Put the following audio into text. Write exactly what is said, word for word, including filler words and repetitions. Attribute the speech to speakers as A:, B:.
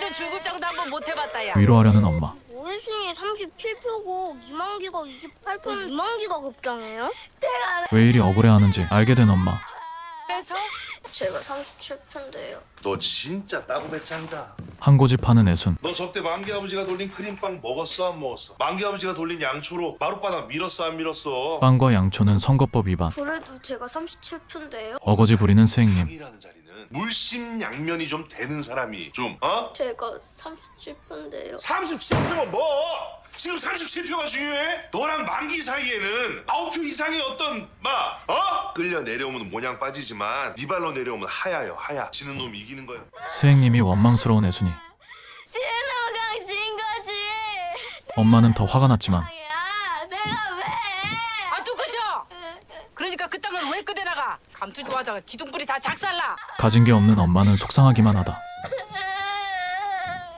A: 같은 줄급장도 한번 못 해봤다 야.
B: 위로하려는 엄마.
C: 오일승이 삼십칠 표고 이만기가 이십팔 표. 이만기가 급장해요?
B: 왜 이리 억울해하는지 알게 된 엄마.
A: 그래서
C: 제가 삼십칠 표인데요.
D: 너 진짜 따구배 짱이다.
B: 한 고집 하는 애순.
D: 너 저때 만기 아버지가 돌린 크림빵 먹었어 안 먹었어? 만기 아버지가 돌린 양초로 마룻바닥 밀었어 안 밀었어?
B: 빵과 양초는 선거법 위반.
C: 그래도 제가 삼십칠 표인데요.
B: 어거지 부리는 스행님.
D: 장이라는 자리는 물심양면이 좀 되는 사람이 좀 어?
C: 제가 삼십칠 표인데요.
D: 삼십칠 표면 뭐? 지금 삼십칠 표가 중요해? 너랑 만기 사이에는 아홉 표 이상의 어떤 막 어? 끌려 내려오면 모양 빠지지만 네 발로 내려오면 하야요 하야. 지는 놈이 이기는 거야.
B: 스행님이 원망스러운 애순이.
C: 진호강 진 거지.
B: 엄마는 더 화가 났지만
C: 야, 내가 왜?
A: 아 또 그죠? 그러니까 그 땅을 왜 끄대나가? 감투 좋아하다가 기둥뿌리 다 작살나.
B: 가진 게 없는 엄마는 속상하기만 하다.